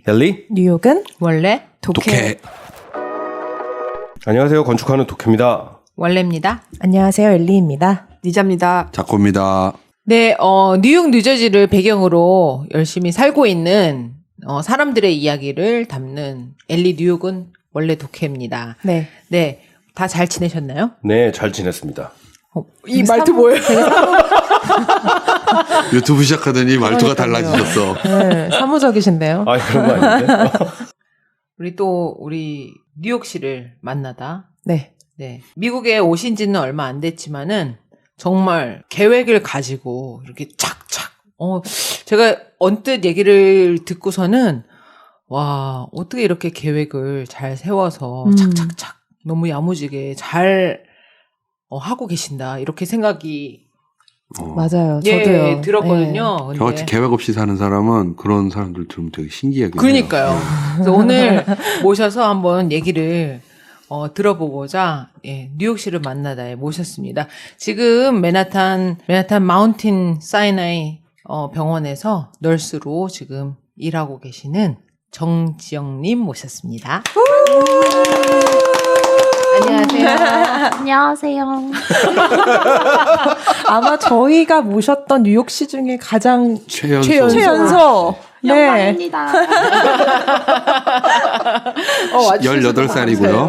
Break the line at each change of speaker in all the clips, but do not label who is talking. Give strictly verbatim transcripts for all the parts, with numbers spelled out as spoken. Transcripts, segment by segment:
헬리
뉴욕은
원래
독해.
독해.
안녕하세요. 건축하는 독해입니다.
원래입니다.
안녕하세요. 엘리입니다.
니자입니다.
작고입니다.
네, 어, 뉴욕, 뉴저지를 배경으로 열심히 살고 있는 어, 사람들의 이야기를 담는 엘리 뉴욕은 원래 독해입니다.
네.
네, 다 잘 지내셨나요?
네, 잘 지냈습니다.
어, 이 말투 뭐예요?
유튜브 시작하더니 말투가
그러니까요.
달라지셨어.
네, 사무적이신데요.
아, 그런 거 아닌데?
우리 또 우리 뉴욕 씨를 만나다.
네.
네, 미국에 오신 지는 얼마 안 됐지만은 정말 계획을 가지고 이렇게 착착. 어, 제가 언뜻 얘기를 듣고서는 와, 어떻게 이렇게 계획을 잘 세워서
음.
착착착 너무 야무지게 잘 어, 하고 계신다. 이렇게 생각이
어.
맞아요.
예,
저도요.
들었거든요. 근데
저같이 계획 없이 사는 사람은 그런 사람들 들으면 되게 신기하게.
그러니까요. 그래서 오늘 모셔서 한번 얘기를 어, 들어보고자 예, 뉴욕시를 만나다에 모셨습니다. 지금 맨하탄 맨하탄 마운틴 사이나이 어, 병원에서 널스로 지금 일하고 계시는 정지영님 모셨습니다. 안녕하세요.
안녕하세요.
아마 저희가 모셨던 뉴욕시 중에 가장
최연소.
최연소.
최연소. 네.
영광입니다.
어, 와주셔서
열여덟 살이고요.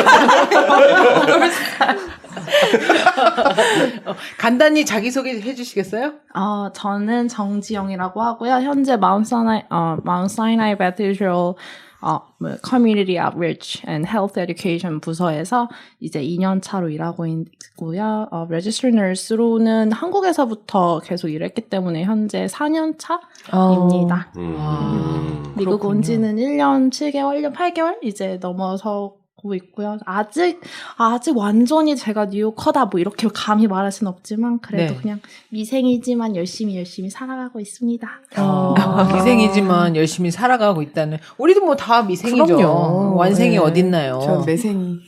어, 간단히 자기소개 해주시겠어요?
어, 저는 정지영이라고 하고요. 현재 마운트 사이나이, 어, 마운트 사이나이 베티드럴 어, 뭐, Community Outreach and Health Education 부서에서 이제 이 년 차로 일하고 있고요. 어, Registered Nurse로는 한국에서부터 계속 일했기 때문에 현재 사 년 차입니다.
음.
아,
미국
그렇군요.
온 지는 일 년 칠 개월, 일 년 팔 개월 이제 넘어서고 있고요. 아직, 아직 완전히 제가 뉴요커다 뭐 이렇게 감히 말할 수는 없지만 그래도
네.
그냥 미생이지만 열심히 열심히 살아가고 있습니다.
어,
아.
미생이지만 열심히 살아가고 있다는. 우리도 뭐 다 미생이죠.
그럼요.
완생이
네.
어딨나요?
저 매생이.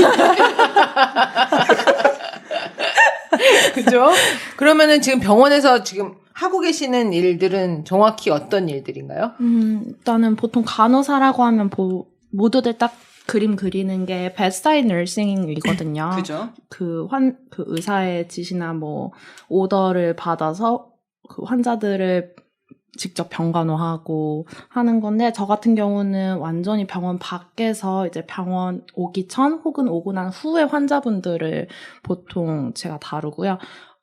그죠? 그러면은 지금 병원에서 지금 하고 계시는 일들은 정확히 어떤 일들인가요?
음, 일단은 보통 간호사라고 하면 보, 모두들 딱 그림 그리는 게 bedside nursing이거든요.
그죠?
그 환, 그 의사의 지시나 뭐 오더를 받아서 그 환자들을 직접 병간호하고 하는 건데 저 같은 경우는 완전히 병원 밖에서 이제 병원 오기 전 혹은 오고 난 후에 환자분들을 보통 제가 다루고요.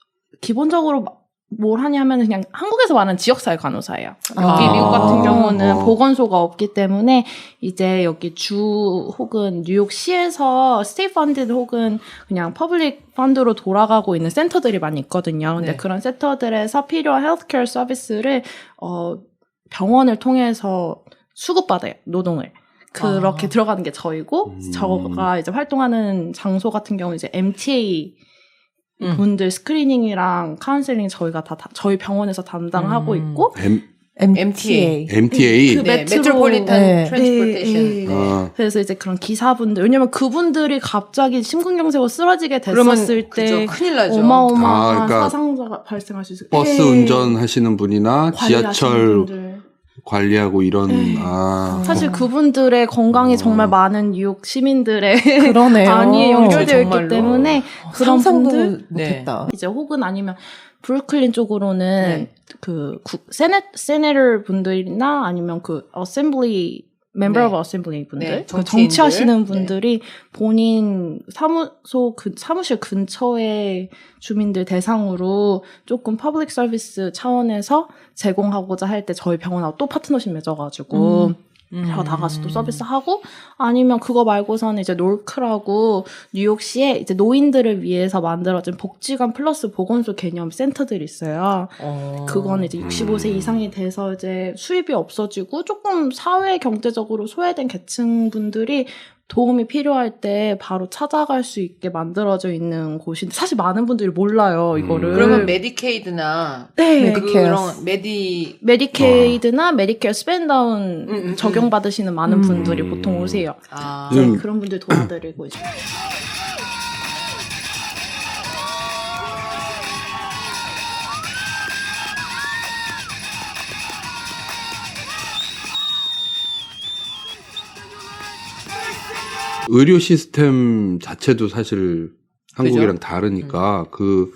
기본적으로 뭘 하냐면 그냥 한국에서 말하는 지역사회 간호사예요. 여기
아.
미국 같은 경우는
어.
보건소가 없기 때문에 이제 여기 주 혹은 뉴욕시에서 스테이트 펀드 혹은 그냥 퍼블릭 펀드로 돌아가고 있는 센터들이 많이 있거든요. 근데
네.
그런 센터들에서 필요한 헬스케어 서비스를 어, 병원을 통해서 수급받아요. 노동을. 그렇게
아.
들어가는 게 저이고
음.
저가 이제 활동하는 장소 같은 경우 이제 엠티에이
음.
분들 스크리닝이랑 카운셀링 저희가 다, 다 저희 병원에서 담당하고
음.
있고
M,
엠티에이.
엠티에이.
그
네,
메트로-
메트로폴리탄
네.
트랜스포테이션.
네, 네.
아,
그래서 이제 그런 기사분들 왜냐면 그분들이 갑자기 심근경색으로 쓰러지게
그러면
됐었을 때
그죠, 큰일 나죠.
어마어마한
아, 그러니까
사상자가 발생할 수 있어요.
버스
네.
운전하시는 분이나
관리하시는
지하철
분들.
관리하고 이런,
네.
아.
사실 그분들의 건강이
어.
정말 많은 뉴욕 시민들의
그러네요.
안위에 연결되어 있기
정말로.
때문에 그런
상상도
분들
못했다.
이제 혹은 아니면 브루클린 쪽으로는
네.
그 구, 세네 세네터 분들이나 아니면 그 어셈블리 멤버
네.
오브 어셈블리 분들
네,
그
정치인들.
정치하시는
네.
분들이 본인 사무소 그 사무실 근처의 주민들 대상으로 조금 퍼블릭 서비스 차원에서 제공하고자 할 때 저희 병원하고 또 파트너십 맺어가지고
음.
음.
저 나가서 또 서비스하고 아니면 그거 말고서는 이제 놀크라고 뉴욕시에 이제 노인들을 위해서 만들어진 복지관 플러스 보건소 개념 센터들이 있어요.
어.
그건 이제 육십오 세
음.
이상이 돼서 이제 수입이 없어지고 조금 사회 경제적으로 소외된 계층분들이 도움이 필요할 때 바로 찾아갈 수 있게 만들어져 있는 곳인데 사실 많은 분들이 몰라요 이거를.
음.
그러면 메디케이드나
네.
메디케어.
그런 메디
메디케이드나 메디케어 스펜다운
음, 음,
적용받으시는 많은
음.
분들이 보통 오세요.
아.
네,
음.
그런 분들 도와드리고 있어요.
의료 시스템 자체도 사실 한국이랑
그죠?
다르니까 그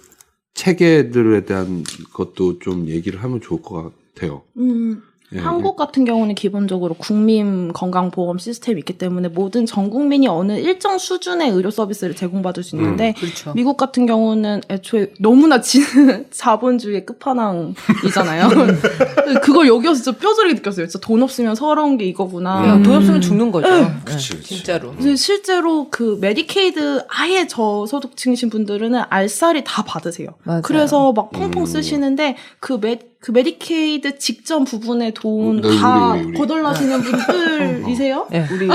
체계들에 대한 것도 좀 얘기를 하면 좋을 것 같아요.
음,
예.
한국 같은 경우는 기본적으로 국민 건강보험 시스템이 있기 때문에 모든 전 국민이 어느 일정 수준의 의료 서비스를 제공받을 수 있는데
그렇죠.
미국 같은 경우는 애초에 너무나 지, 자본주의의 끝판왕이잖아요. 그걸 여기서 진짜 뼈저리게 느꼈어요. 진짜 돈 없으면 서러운 게 이거구나.
그냥 돈 없으면 죽는 거죠. 네,
그치, 그치.
진짜로.
근데 실제로 그 메디케이드 아예 저소득층이신 분들은 알살이 다 받으세요.
맞아요.
그래서 막 펑펑
음.
쓰시는데 그 메, 그 메디케이드 직전 부분에 돈
네,
다
우리, 우리, 우리.
거덜나시는 분들이세요?
네, 우리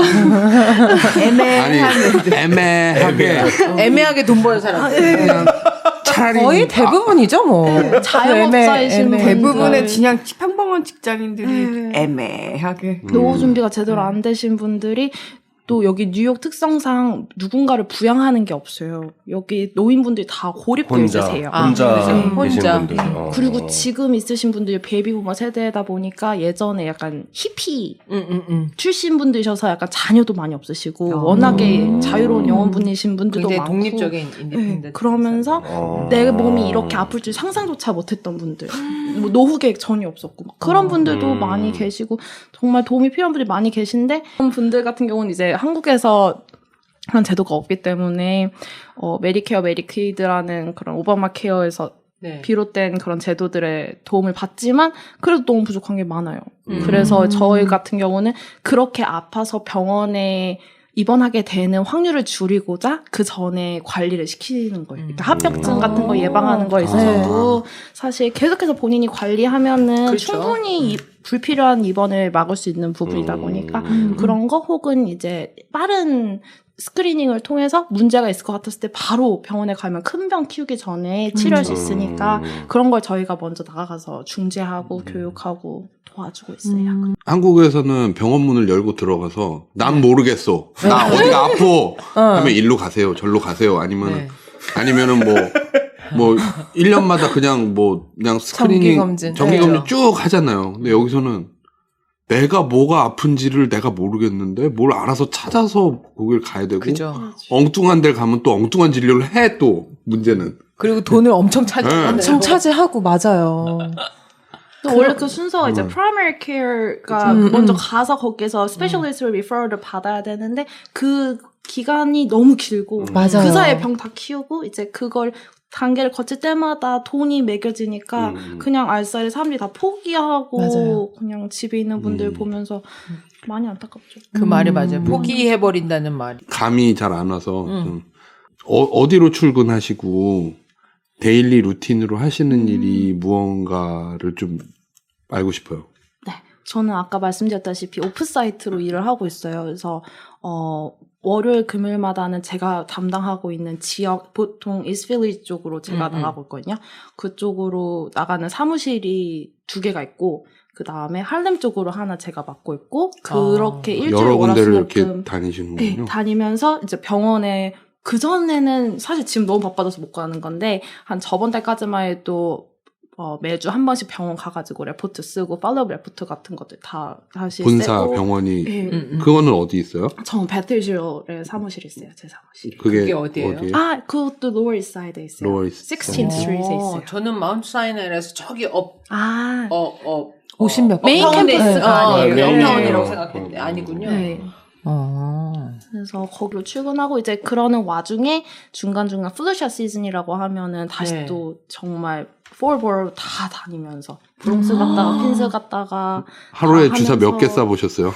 아니
애매한
애매하게
애매하게 돈 버는 사람.
그냥 차라리
거의 대부분이죠, 뭐.
네, 자영업자이신
애매- 애매-
분들.
대부분의 그냥 평범한 직장인들이 애매하게.
노후 준비가 제대로 안 되신 분들이 또 여기 뉴욕 특성상 누군가를 부양하는 게 없어요. 여기 노인분들이 다 고립되어
혼자
있으세요.
아,
혼자
그죠.
계신
혼자.
분들. 어.
그리고 지금 있으신 분들이 베이비부머 세대다 보니까 예전에 약간 히피
응, 응, 응.
출신 분들이셔서 약간 자녀도 많이 없으시고
어.
워낙에 자유로운 영혼분이신 분들도
굉장히
많고
독립적인 인디펜던트.
네, 그러면서
어.
내 몸이 이렇게 아플 줄 상상조차 못했던 분들 뭐 노후 계획 전혀 없었고 막 그런 분들도
음.
많이 계시고 정말 도움이 필요한 분들이 많이 계신데 그런 분들 같은 경우는 이제 한국에서 그런 제도가 없기 때문에 어, 메디케어, 메디케이드라는 그런 오바마 케어에서
네.
비롯된 그런 제도들의 도움을 받지만 그래도 너무 부족한 게 많아요.
음.
그래서 저희 같은 경우는 그렇게 아파서 병원에 입원하게 되는 확률을 줄이고자 그 전에 관리를 시키는 거예요. 그러니까 합병증 같은 거 예방하는 거에 있어서도 사실 계속해서 본인이 관리하면은
그렇죠.
충분히 이- 불필요한 입원을 막을 수 있는 부분이다 보니까
음.
그런 거 혹은 이제 빠른 스크리닝을 통해서 문제가 있을 것 같았을 때 바로 병원에 가면 큰 병 키우기 전에 치료할 수 있으니까
음.
그런 걸 저희가 먼저 나가서 중재하고 교육하고 도와주고 있어요.
음.
한국에서는 병원 문을 열고 들어가서 난 모르겠어. 나 어디가 아파. 하면 일로 가세요. 절로 가세요. 아니면
네.
아니면은 뭐 뭐 일 년마다 그냥 뭐 그냥 스크리닝
정기검진.
정기검진
네.
쭉 하잖아요. 근데 여기서는 내가 뭐가 아픈지를 내가 모르겠는데 뭘 알아서 찾아서 거길 가야 되고
그죠.
엉뚱한 데를 가면 또 엉뚱한 진료를 해 또 문제는.
그리고 돈을 엄청 차지하잖아요.
엄청 차지하고, 맞아요.
또 원래 그 순서가 이제
음.
primary care가
그쵸.
먼저
음, 음.
가서 거기서 specialist referral을 받아야 되는데 그 기간이 너무 길고
맞아요.
그 사이에 병 다 키우고 이제 그걸 단계를 거칠 때마다 돈이 매겨지니까
음.
그냥 알싸리 사람들이 다 포기하고
맞아요.
그냥 집에 있는 분들
음.
보면서 많이 안타깝죠.
그 말이
음.
맞아요. 포기해버린다는 말이.
감이 잘 안 와서
음.
좀 어, 어디로 출근하시고 데일리 루틴으로 하시는 일이 무언가를 좀 알고 싶어요.
저는 아까 말씀드렸다시피 오프사이트로 일을 하고 있어요. 그래서 어 월요일 금요일마다는 제가 담당하고 있는 지역 보통 이스트빌리지 쪽으로 제가
음, 음.
나가고 있거든요. 그쪽으로 나가는 사무실이 두 개가 있고 그 다음에 할렘 쪽으로 하나 제가 맡고 있고 그렇게
아,
일주일
여러 군데를 이렇게
월화수목금
다니시는군요.
네, 다니면서 이제 병원에 그전에는 사실 지금 너무 바빠져서 못 가는 건데 한 저번 달까지만 해도 어, 매주 한 번씩 병원 가가지고 레포트 쓰고 팔로우 레포트 같은 것들 다 다시
본사
쓰고
병원이
네.
음, 음.
그거는 어디 있어요?
전 배틀실에 사무실이 있어요. 제 사무실.
그게,
그게 어디예요?
아, 그것도 로어 이스트사이드에 있어요.
로어 이스트
식스틴
사이드.
스트리트에 있어요.
저는 마운트 사이나이라서 저기 업,
아,
어, 어.
오십 몇
메인 캠퍼스가
어,
아니에요.
메인타운이라고
네.
생각했는데 아니군요.
네.
어.
그래서 거기로 출근하고 이제 그러는 와중에 중간중간 플루샷 시즌이라고 하면은 다시
네.
또 정말 폴보로 다 다니면서 브롱스 갔다가 퀸스 갔다가
하루에
다
주사 몇 개
하면서-
쏴보셨어요?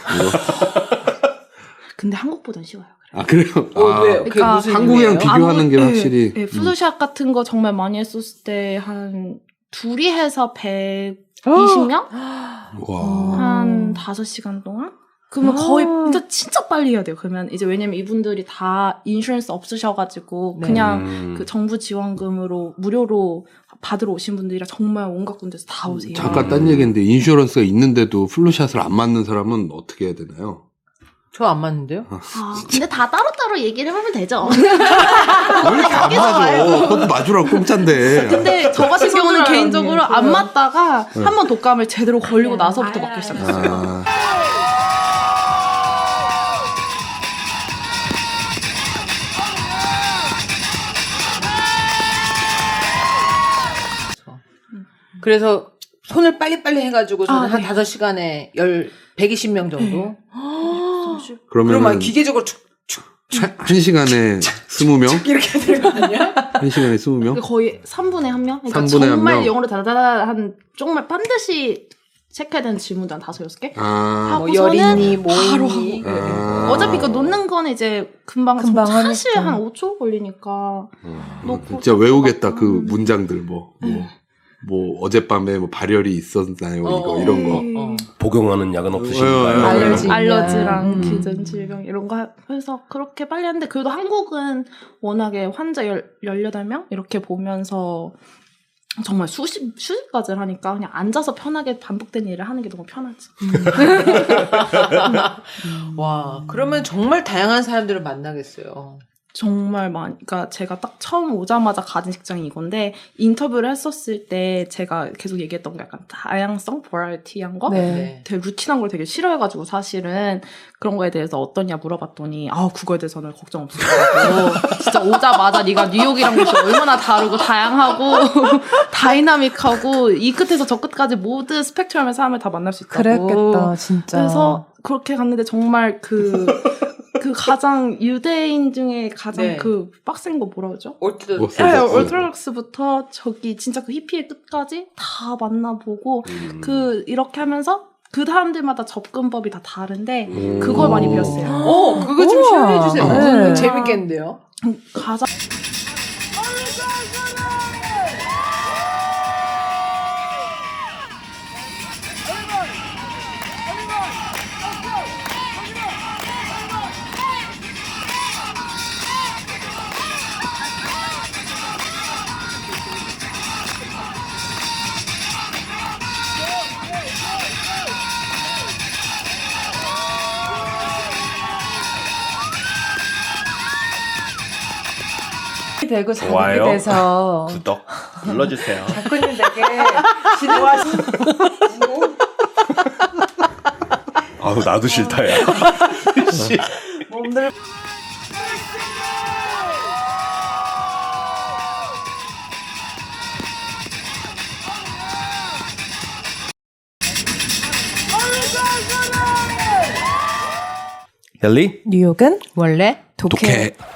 근데 한국보단 쉬워요. 그래요.
아 그래요?
어,
아,
왜요? 그게
그러니까
무슨
한국이랑
의미예요?
비교하는 게
아무-
확실히
네, 네, 플루샷 같은 거 정말 많이 했었을 때 한 둘이 해서 백이십 명?
와.
한 다섯 시간 동안? 그러면 거의 진짜, 진짜 빨리 해야 돼요. 그러면 이제 왜냐면 이분들이 다 인슈런스 없으셔가지고
네.
그냥
음.
그 정부 지원금으로 무료로 받으러 오신 분들이라 정말 온갖 군데서 다 오세요.
잠깐 딴 얘기인데 인슈런스가 있는데도 플루샷을 안 맞는 사람은 어떻게 해야 되나요?
저 안 맞는데요?
아, 근데 다 따로따로 얘기를 해보면 되죠.
왜 이렇게 안 맞아? 그것도 맞으라고 공짜인데.
근데 저 같은 경우는
친구들이랑
개인적으로 안 맞다가
네.
한 번 독감을 제대로 걸리고 나서부터 맞기 시작했어요.
아,
그래서 손을 빨리빨리 해가지고 저는
아,
한
네.
다섯 시간에 열, 백이십 명 정도.
그러면
그러면 기계적으로 축, 축,
한 시간에 스무 명?
이렇게 되는 거 아니야?
한 시간에 스무 명?
거의 삼분의 한 명? 그러니까
삼분의 한
정말
명?
영어를 다다다 한 정말 반드시 체크해야 되는 질문도 한 다섯 여섯 개?
아,
뭐
하고서는
열이니, 뭐
바로
있니.
하고.
아.
어차피 그 놓는 거는 이제 금방
금방
사실
하니까.
한 오 초 걸리니까 놓고
진짜 외우겠다 그
음.
문장들 뭐. 뭐. 뭐 어젯밤에 뭐 발열이 있었나요 이거
어,
이런 거.
음.
어.
복용하는 약은 없으신가요?
어,
알러지.
알러지랑
음.
기존 질병 이런 거 해서 그렇게 빨리 하는데 그래도 한국은 워낙에 환자 열, 열여덟 명 이렇게 보면서 정말 수십, 수십 가지를 하니까 그냥 앉아서 편하게 반복된 일을 하는 게 너무 편하지.
와, 그러면 정말 다양한 사람들을 만나겠어요.
정말 많이, 그러니까 제가 딱 처음 오자마자 가진 직장이 이건데 인터뷰를 했었을 때 제가 계속 얘기했던 게 약간 다양성, 버라이티한 거?
네.
되게 루틴한 걸 되게 싫어해가지고 사실은 그런 거에 대해서 어떠냐 물어봤더니 아 그거에 대해서는 걱정 없을 거라고 진짜 오자마자 네가 뉴욕이랑 곳이 얼마나 다르고 다양하고 다이나믹하고 이 끝에서 저 끝까지 모든 스펙트럼의 사람을 다 만날 수 있다고
그랬겠다, 진짜.
그래서 그렇게 갔는데 정말 그 그 가장 유대인 중에 가장
네.
그 빡센 거 뭐라 그러죠?
어쨌든
뭐,
네,
어, 어.
얼트락스부터 저기 진짜 그 히피의 끝까지 다 만나보고
음.
그 이렇게 하면서 그 사람들마다 접근법이 다 다른데
음.
그걸 많이 배웠어요.
어, 그거 좀
우와.
시연해 주세요.
네.
재밌겠는데요?
가장
되고 자극이
좋아요.
돼서
구독 눌러주세요.
작가님 되게 진행하시고
아우 나도 싫다야. 씨.
몸들
헬리
뉴욕은
원래
독해.
독해.